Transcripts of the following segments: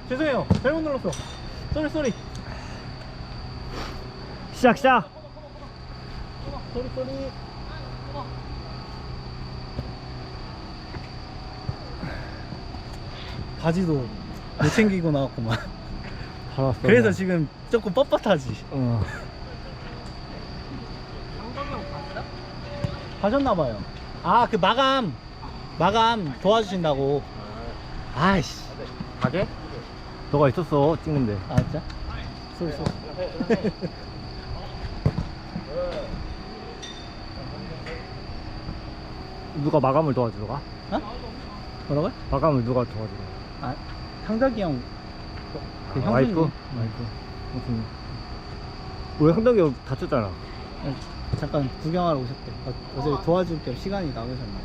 죄송해요. 잘못 눌렀어. 쏘리. 시작. 쏘리. 바지도 못 챙기고 나왔구만. 알았어. 그래서 지금 조금 뻣뻣하지. 가셨나봐요. 아, 그 마감 도와주신다고. 아이씨. 가게? 너가 있었어 찍는데. 아, 진짜? 쏘리. 누가 마감을 도와주러 가? 어? 뭐라고요? 마감을 누가 도와주러 가? 아, 상덕이 형. 그 형수님. 와이프? 무슨? 우리 형덕이 형 다쳤잖아. 잠깐 구경하러 오셨대. 어제 도와줄 겸 시간이 나오셨나.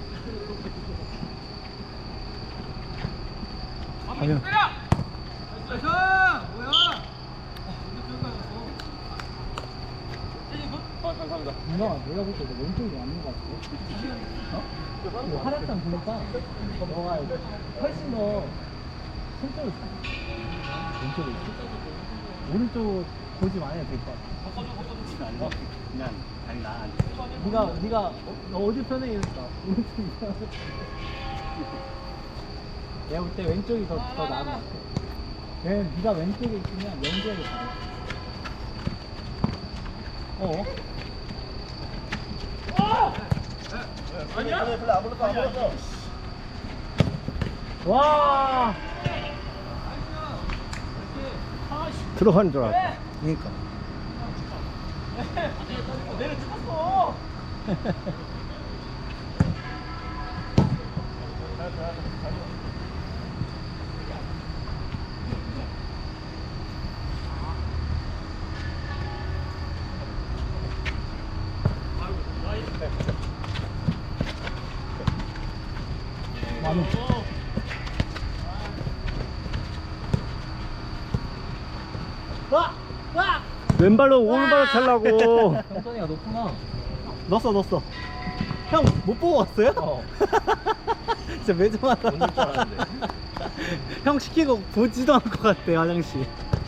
가면. 감사합니다. 누나, 내가 볼 때 왼쪽이 맞는 것 같아. 어? 그 활약상 보니까 너가 훨씬 더 손쪽을 잘. 왼쪽에 있어. 오른쪽 고집 안 해도 될 것 같아. 그냥 아니 나 네가 어디 편에 있을까? 오른쪽이야. 내가 볼 때 왼쪽이 더 나은 것 같아. 왜냐면 네가 왼쪽에 있으면 연결이 잘해. 아니야? 별로 안 불렀어. 와. 들어가는 줄 알았다. 그러니까. 내가 찍었어. 만원. 와! 왼발로 오른발로 찰라고. 형선이가 높구나. 넣었어. 형 못 보고 왔어요? 진짜 매정하다. 못넣을 줄 알았는데. 형 시키고 보지도 않을 것 같아, 화장실.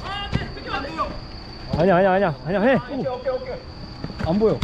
아니야 해. 오케이. 안 보여.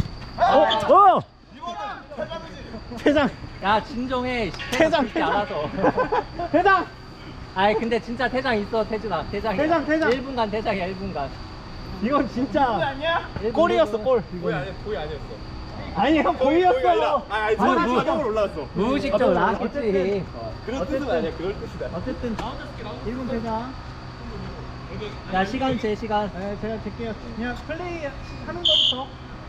퇴장. 야 진정해. 퇴장. 알아서. 퇴장. 아이 근데 진짜 퇴장 있어 태준아. 퇴장이야. 퇴장. 1분간 퇴장이야 1분간. 이건 진짜 아니야? 골이었어, 골. 거의 아니었어. 아니, 형 골이었어. 아니 자동으로 올라왔어. 무의식적으로 나왔겠지. 그런 뜻은 아니야. 그럴 뜻이다. 어쨌든 1분 퇴장. 야 시간 제 시간. 네, 제가 잴게요. 그냥 플레이 하는 거부터.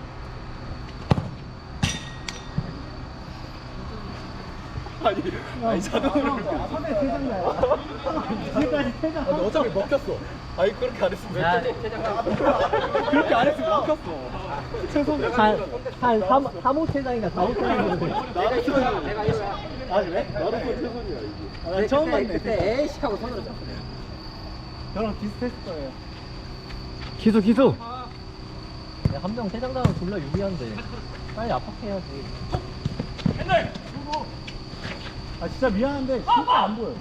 아니 자동으로 올라왔어. 선배 퇴장 나요. 지금까지 퇴장. 근데 어차피 먹혔어. 아니 그렇게 안 했으면 야 왜 퇴장. 그렇게 안 했으면 먹혔어. 한 3호 퇴장인가 4호 퇴장인가. 나도 최선이야. 내가 이거야. 아 그래? 나도 최선이야 이게. 나 처음 봤네. 그때 에이씨 하고 손으로 잡고. 저랑 비슷했을 거예요. 기수. 한 명 퇴장 당하면 졸라 유리한데. 빨리 압박해야지. 아, 진짜 미안한데 진짜 안 보여.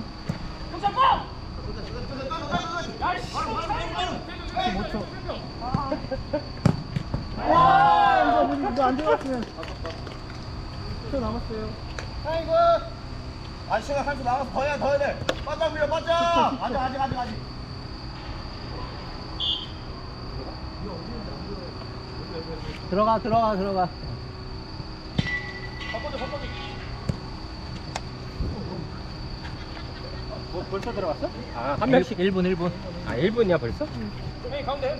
와, 이거 안 들어갔으면. 10초 남았어요. 아이고. 아 시간 30분 남았어. 더 해야 돼. 빠져 밀려 빠져. 아직. 들어가. 뭐 벌써 들어갔어? 아, 한 명씩 1분. 아 1분이야 벌써? 형이 가운데.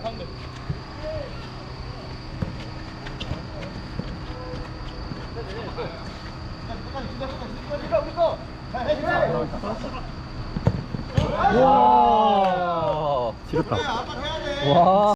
와. 지렸다. 와.